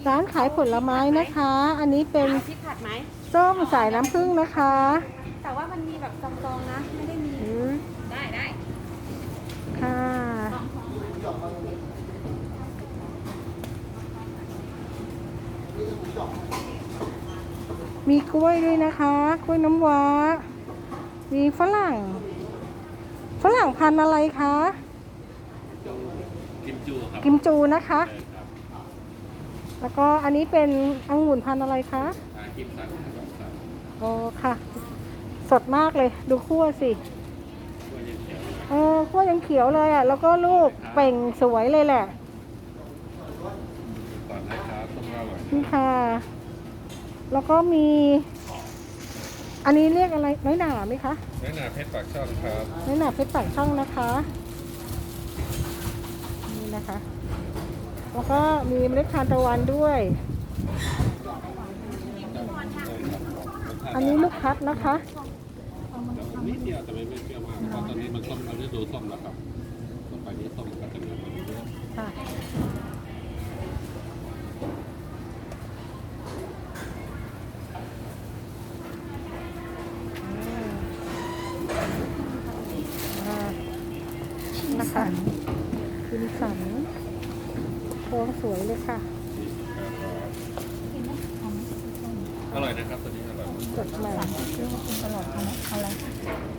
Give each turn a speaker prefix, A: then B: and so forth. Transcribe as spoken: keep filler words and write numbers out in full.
A: ร้านขายผลไม้นะคะ อันนี้เป็น
B: เอาพริกผัดไหม
A: ส้มสายน้ำผึ้งนะคะ
B: แต่ว่ามันมีแบบซองๆนะ ไม่ได้มี
A: อืม
B: ได้ได้
A: ค่ะ มีกล้วยด้วยนะคะ กล้วยน้ำว้า มีฝรั่ง ฝรั่งพันธุ์อะไรคะ
C: กิมจูครับ
A: กิมจูนะคะ
C: ใช่ครับ
A: แล้วก็อันนี้เป็นองุ่นพันธุ์อะไรคะ
C: อากิมสันครับครับ
A: โอ้ค่ะ สดมากเลย ดูคั่วสิ
C: ตัวเย็นเขียวนะ
A: เออคั่วยังเขียวเลยอ่ะ แล้วก็ลูกเป่งสวยเลยแหละ
C: ก่อนนะครับต้มเล่าหน่อย
A: นี่ค่ะ แล้วก็มี อันนี้เรียกอะไรน้อยหนาไหมคะ
C: แม่นาเพชรปากช่องครับ
A: น้อยหนาเพชรปากช่องนะคะ นี่นะคะ แล้วก็มีเมล็ดทานตะวันด้วย อันนี้ลูกพัดนะคะ
C: แต่นิดเดียวแต่ไม่ไม่เปรี้ยวมากเพราะตอนนี้มันส้มมันฤดูส้มแล้วครับต่อไปนี้ส้มก็จะมีผลเยอะ
A: ค่ะ อ่านะคะคิมสันโค้งสวยเลยค่ะ
C: อร่อยนะครับตัวนี้อร่อย
A: สดใหม่
B: เรียกว่าคุณตลอดเอาไหมเอาอะไร